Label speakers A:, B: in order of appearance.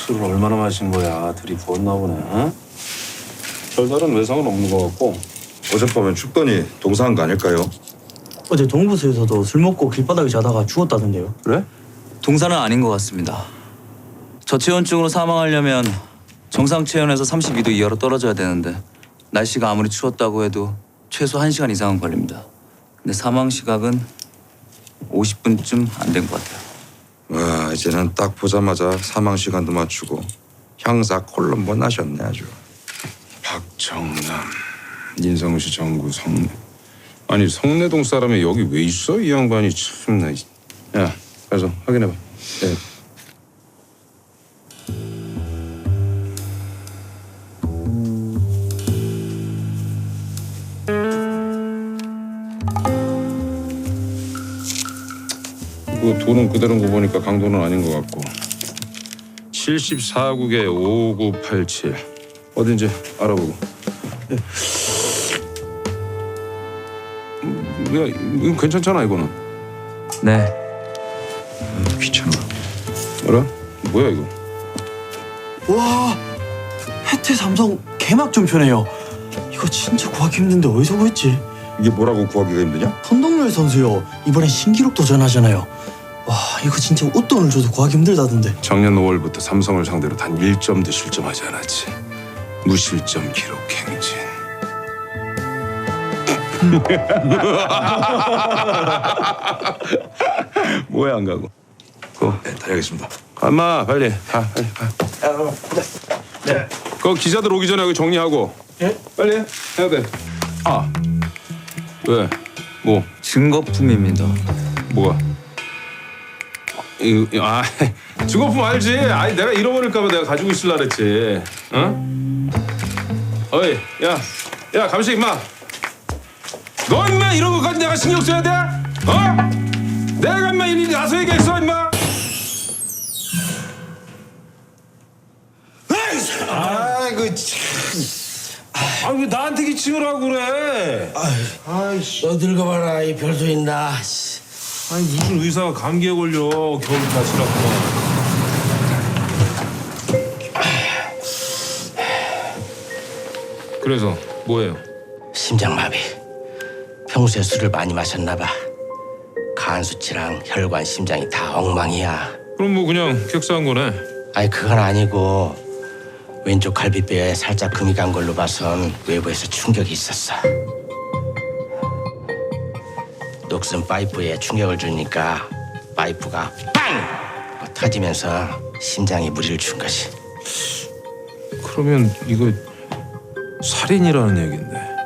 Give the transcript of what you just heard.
A: 술을 얼마나 마신 거야? 들이부었나 보네. 어? 별다른 외상은 없는 것 같고.
B: 어젯밤엔 춥더니 동사한 거 아닐까요?
C: 어제 동부서에서도 술 먹고 길바닥에 자다가 죽었다던데요.
A: 그래?
D: 동사는 아닌 것 같습니다. 저체온증으로 사망하려면 정상 체온에서 32도 이하로 떨어져야 되는데 날씨가 아무리 추웠다고 해도 최소 1시간 이상은 걸립니다. 근데 사망 시각은 50분쯤 안 된 것 같아요.
B: 와, 이제는 딱 보자마자 사망 시간도 맞추고 형사 콜럼보 나셨네 아주.
A: 박정남, 인성시 정구 성내. 아니 성내동 사람이 여기 왜 있어? 이 양반이 참나. 야, 가서 확인해봐. 네. 그 돈은 그대로인 거 보니까 강도는 아닌 것 같고. 74국에 5987 어딘지 알아보고. 야, 이거 괜찮잖아 이거는.
D: 네.
B: 귀찮아.
A: 알아? 뭐야 이거?
C: 와, 혜태 삼성 개막전표네요. 이거 진짜 구하기 힘든데 어디서 구했지?
B: 이게 뭐라고 구하기가 힘드냐?
C: 선동열 선수요. 이번에 신기록 도전하잖아요. 와, 이거 진짜 웃돈을 줘도 구하기 힘들다던데.
A: 작년 5월부터 삼성을 상대로 단 1점도 실점하지 않았지. 무실점 기록 행진. 뭐야 안 가고?
B: 네, 다녀오겠습니다.
A: 가마 빨리 가 빨리 가. 네. 그 기자들 오기 전에 여기 정리하고.
C: 예?
A: 빨리 해야 돼. 아 왜? 뭐
D: 증거품입니다.
A: 뭐가? 아 증거품 알지? 아니 내가 잃어버릴까봐 내가 가지고 있을라 그랬지. 응? 어이 야 감시 임마. 너 임마 이런 거까지 내가 신경 써야 돼? 어? 내가 임마 일일이 나서 얘기했어 임마. 아이고 참. 아 왜 나한테 기침을 하고 그래? 아이씨.
E: 너 늙어봐라 이 별도 있나.
A: 아니 무슨 의사가 감기에 걸려 겨울 다치라고. 그래서 뭐예요?
E: 심장마비. 평소에 술을 많이 마셨나 봐. 간 수치랑 혈관, 심장이 다 엉망이야.
A: 그럼 뭐 그냥 격사한 거네.
E: 아니 그건 아니고 왼쪽 갈비뼈에 살짝 금이 간 걸로 봐선 외부에서 충격이 있었어. 녹슨 파이프에 충격을 주니까 파이프가 빵! 터지면서 심장에 무리를 준 것이.
A: 그러면 이거 살인이라는 얘긴데.